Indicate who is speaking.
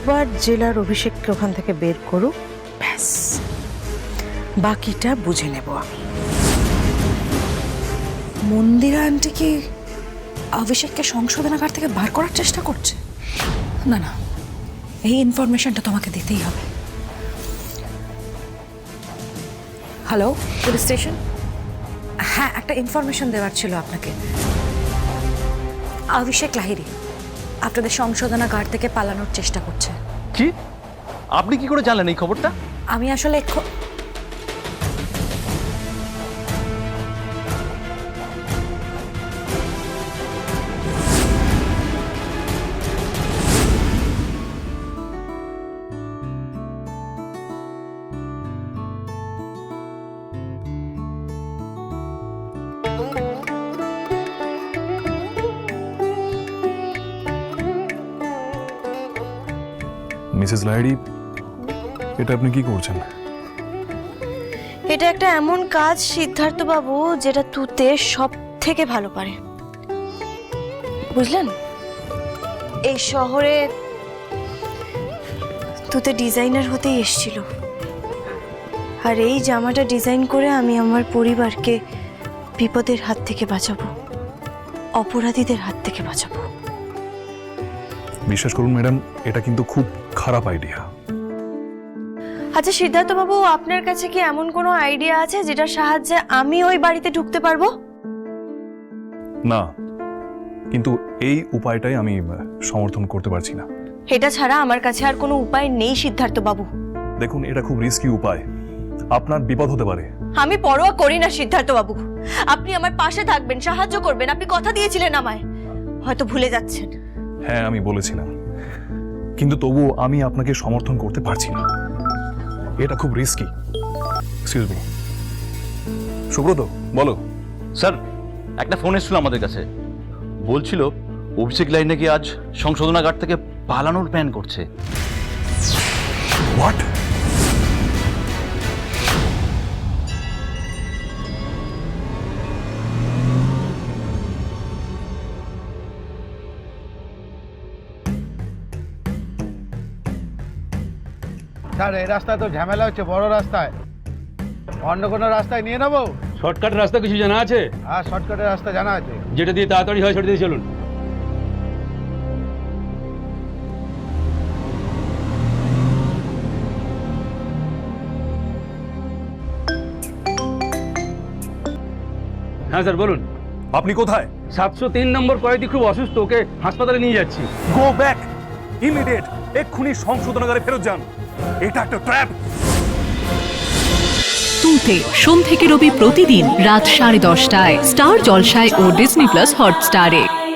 Speaker 1: একবার জেলার অভিষেককে ওখান থেকে বের করুক, ব্যাস বাকিটা বুঝে নেব আমি।
Speaker 2: মন্দিরা আন্টি কি অভিষেককে সংশোধনাগার থেকে বার করার চেষ্টা করছে? না না, এই ইনফরমেশনটা তোমাকে দিতেই হবে। Hello, police station? হ্যাঁ, একটা ইনফরমেশন দেওয়ার ছিল আপনাকে। অভিষেক লাহিড়ী আপনাদের সংশোধনাগার থেকে পালানোর চেষ্টা করছে।
Speaker 3: কি? আপনি কি করে জানলেন এই খবরটা?
Speaker 2: আমি আসলে
Speaker 4: মিসেস লাহিড়ী, এটা আপনি কি করছেন?
Speaker 5: এটা একটা এমন কাজ সিদ্ধার্থ বাবু যেটা তুতে সব থেকে ভালো পারে, বুঝলেন? এই শহরে তুতে ডিজাইনার হতেই এসেছিল, আর এই জামাটা ডিজাইন করে আমি আমার পরিবারকে বিপদের হাত থেকে বাঁচাবো, অপরাধীদের হাত থেকে বাঁচাবো।
Speaker 4: বিশ্বাস করুন ম্যাডাম, এটা কিন্তু খুব খারাপ আইডিয়া।
Speaker 5: আচ্ছা সিদ্ধার্থ বাবু, আপনার কাছে কি এমন কোনো আইডিয়া আছে যেটার সাহায্যে আমি ওই বাড়িতে ঢুকতে পারবো?
Speaker 4: না, কিন্তু এই উপায়টাই আমি সমর্থন করতে পারছি না।
Speaker 5: এটা ছাড়া আমার কাছে আর কোনো উপায় নেই সিদ্ধার্থ বাবু।
Speaker 4: দেখুন, এটা খুব রিস্কি উপায়, আপনার বিপদ হতে পারে।
Speaker 5: আমি পরোয়া করি না সিদ্ধার্থ বাবু, আপনি আমার পাশে থাকবেন, সাহায্য করবেন, আপনি কথা দিয়েছিলেন আমায়, হয়তো ভুলে যাচ্ছেন।
Speaker 4: হ্যাঁ, আমি বলেছিলাম, কিন্তু তবুও আমি আপনাকে সমর্থন করতে পারছি না। এটা খুব রিস্কি। এক্সকিউজ মি, সুব্রত বলো।
Speaker 3: স্যার, একটা ফোন এসেছিল আমাদের কাছে, বলছিল অভিষেক লাহিড়ী নাকি আজ সংশোধনাগার থেকে পালানোর প্ল্যান করছে।
Speaker 4: হোয়াট?
Speaker 6: স্যার, এই রাস্তায় তো ঝামেলা হচ্ছে, বড় রাস্তায়। অন্য কোনো রাস্তায় নিয়ে নেবো?
Speaker 7: শর্টকাট রাস্তা কিছু জানা আছে?
Speaker 6: হ্যাঁ, শর্টকাটের রাস্তা জানা আছে।
Speaker 7: যেটা দিয়ে তাড়াতাড়ি হয় সেটা দিয়ে চলুন। হ্যাঁ স্যার বলুন।
Speaker 4: আপনি কোথায়?
Speaker 7: 703 নম্বর কয়েদি খুব অসুস্থ, ওকে হাসপাতালে নিয়ে যাচ্ছি।
Speaker 4: গো ব্যাক ইমিডিয়েট, এক্ষুনি সংশোধনাগারে ফেরত যান। এটা একটা ট্র্যাপ।
Speaker 8: তুতে সোম থেকে রবি প্রতিদিন রাত 10:30টায় স্টার জলসায় ও ডিজনি প্লাস হটস্টারে।